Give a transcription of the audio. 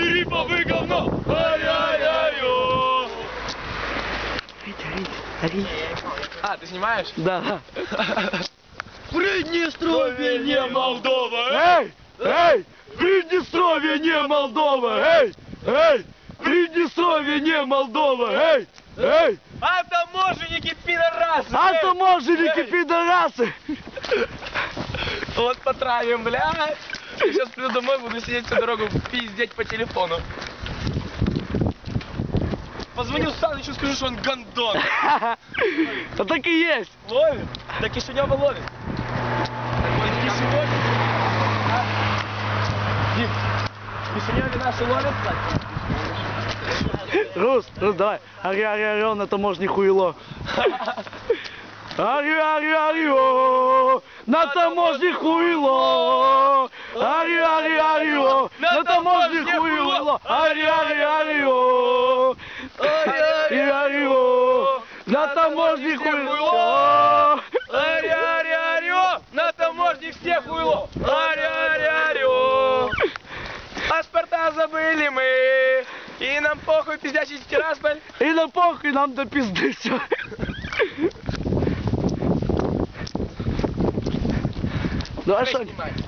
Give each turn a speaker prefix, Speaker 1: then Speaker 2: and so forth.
Speaker 1: Шерифовы говно! Ай-яй-яй-ё!
Speaker 2: Ори.
Speaker 1: А, ты снимаешь?
Speaker 2: Да.
Speaker 1: Приднестровье не Молдова!
Speaker 2: Эй! Эй! Приднестровье не Молдова! Эй! Эй! Приднестровье не Молдова! Эй! Эй!
Speaker 1: А таможенники пидорасы!
Speaker 2: А таможенники пидорасы!
Speaker 1: Вот потравим, блядь! Я сейчас приду домой, буду сидеть всю дорогу пиздеть по телефону. Позвоню Санычу, скажу, что он гандон.
Speaker 2: Да так и есть.
Speaker 1: Ловит? Да Кишинева ловит. В Кишиневе? А? Дим, в Кишиневе наши ловят, кстати?
Speaker 2: Рус, давай. Ари, на таможне хуйло. Ари, на таможне хуйло. Ари, на таможне хуйло. Ари, на таможне хуйло.
Speaker 1: Ари, на таможне все хуйло. Ари, паспорта забыли мы. И нам похуй, пиздячий Тирасполь.
Speaker 2: И на похуй нам до пизды все. Ну а что?